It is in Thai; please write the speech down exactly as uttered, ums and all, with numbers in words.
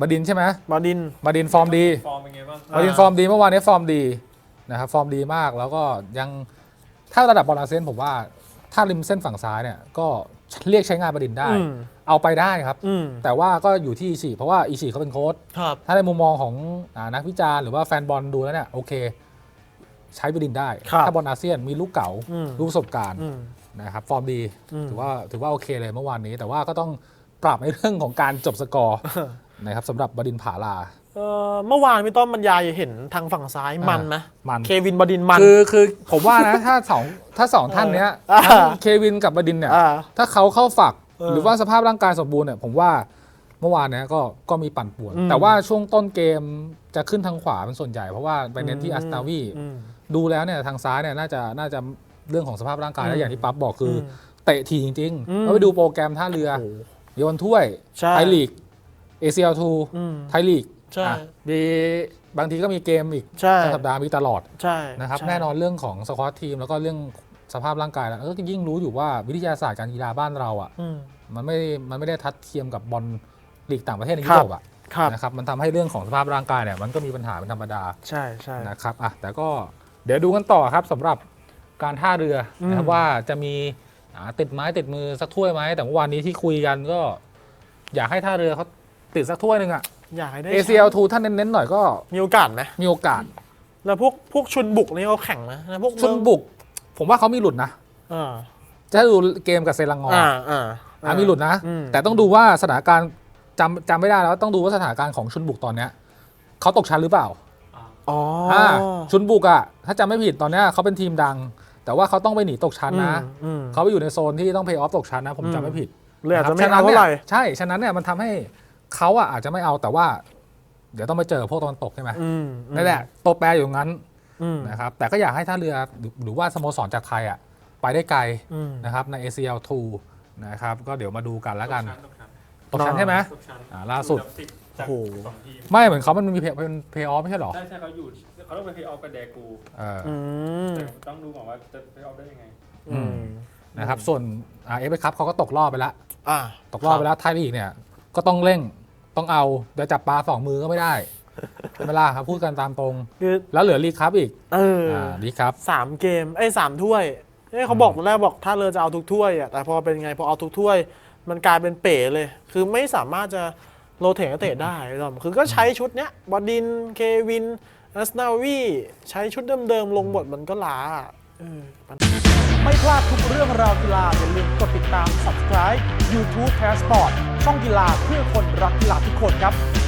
บดินใช่ไหมบดินบดินฟอร์มดีฟอร์มเป็นไงบ้างบดินฟอร์มดีเมื่อวานนี้ฟอร์มดีนะครับฟอร์มดีมากแล้วก็ยังถ้าระดับบอลอาเซียนผมว่าถ้าริมเส้นฝั่งซ้ายเนี่ยก็เรียกใช้งานบดินได้เอาไปได้ครับแต่ว่าก็อยู่ที่อิชิเพราะว่าอิชิเขาเป็นโค้ชถ้าในมุมมองของนักวิจารณ์หรือว่าแฟนบอลดูแล้วเนี่ยโอเคใช้บดินได้ถ้าบอลอาเซียนมีลูกเก๋าลูกประสบการณ์นะครับฟอร์มดีถือว่าถือว่าโอเคเลยเมื่อวานนี้แต่ว่าก็ต้องปรับในเรื่องของการจบสกอร์นะครับสำหรับบดินผาลาเมื่อวานพี่ต้อมบรรยายเห็นทางฝั่งซ้ายมันไหมมันเควินบดินมันคือคือผมว่านะถ้าสองถ้าสองท่านเนี้ยเควินกับบดินเนี่ยถ้าเขาเข้าฝักหรือว่าสภาพร่างกายสมบูรณ์เนี่ยผมว่าเมื่อวานเนี้ยก็ก็มีปั่นป่วนแต่ว่าช่วงต้นเกมจะขึ้นทางขวาเป็นส่วนใหญ่เพราะว่าไปเน้นที่อัสนาวีดูแล้วเนี่ยทางซ้ายเนี่ยน่าจะน่าจะเรื่องของสภาพร่างกายและอย่างที่ปั๊บบอกคือเตะทีจริงๆแล้วไปดูโปรแกรมท่าเรือโยนถ้วยไทยลีก เอ ซี แอล ทู ไทยลีกมีบางทีก็มีเกมอีกสัปดาห์มีตลอดนะครับแน่นอนเรื่องของสควอตทีมแล้วก็เรื่องสภาพร่างกายแล้วก็ยิ่งรู้อยู่ว่าวิทยาศาสตร์การกีฬาบ้านเราอ่ะมันไม่มันไม่ได้ทัดเทียมกับบอลลีกต่างประเทศในยุโรปอ่ะนะครับมันทำให้เรื่องของสภาพร่างกายเนี่ยมันก็มีปัญหาเป็นธรรมดาใช่ใช่นะครับอ่ะแต่ก็เดี๋ยวดูกันต่อครับสำหรับการท่าเรือนะครับว่าจะมีติดไม้ติดมือสักถ้วยไหมแต่เมื่อวานนี้ที่คุยกันก็อยากให้ท่าเรือเขาติดสักถ้วยหนึ่งอ่ะอยากให้ได้เอ ซี แอล ทู ท่านเน้นๆหน่อยก็มีโอกาสไหมมีโอกาสแล้วพวกพวกชุนบุกนี่เขาแข่งนะพวกชุนบุกผมว่าเขามีหลุดนะจะดูเกมกับเซรังงออ่ามีหลุดนะแต่ต้องดูว่าสถานการณ์จำจำไม่ได้แล้วต้องดูว่าสถานการณ์ของชุนบุกตอนเนี้ยเขาตกชั้นหรือเปล่าอ๋อชุนบุกอ่ะถ้าจำไม่ผิดตอนเนี้ยเขาเป็นทีมดังแต่ว่าเขาต้องไปหนีตกชั้นนะเขาไปอยู่ในโซนที่ต้องเพย์ออฟตกชั้นนะผมจำไม่ผิดเลยอาจจะไม่เอาเท่าไหร่ใช่ฉะนั้นเนี่ยมันทำให้เขาอ่ะอาจจะไม่เอาแต่ว่าเดี๋ยวต้องไปเจอพวกตะวันตกใช่ไหมนั่นแหละตัวแปรอยู่งั้นนะครับแต่ก็อยากให้ท่าเรือหรือว่าสโมสรจากไทยอ่ะไปได้ไกลนะครับใน เอ ซี แอล ทู นะครับก็เดี๋ยวมาดูกันแล้วกันตกชั้นใช่ไหมล่าสุดโอ้โหไม่เหมือนเขามันมีเป็นเพย์ออฟไม่ใช่หรอใช่ใช่เขาอยู่เขาต้องเป็นเพย์ออฟกับแดกูต้องดูก่อนว่าจะเพย์ออฟได้ยังไงนะครับส่วนเอฟเอคัพเขาก็ตกรอบไปแล้วตกรอบไปแล้วไทยลีกเนี่ยก็ต้องเร่งต้องเอาเดี๋ยวจับปลาสองมือก็ไม่ได้เป็นเวลาครับพูดกันตามตรงแล้วเหลือลีกครับอีกเออลีกครับสามเกมไอ้สามถ้วยเขาบอกตอนแรกบอกถ้าเรือจะเอาทุกถ้วยอ่ะแต่พอเป็นไงพอเอาทุกถ้วยมันกลายเป็นเป๋เลยคือไม่สามารถจะโรเตทนักเตะได้หรอกคือก็ใช้ชุดเนี้ยบดินเควินอัสนาวีใช้ชุดเดิมๆลงบทมันก็ล้าไม่พลาดทุกเรื่องราวกีฬาอย่าลืมกดติดตาม ซับสไครบ์ ยูทูบ Passport ช่องกีฬาเพื่อคนรักกีฬาทุกคนครับ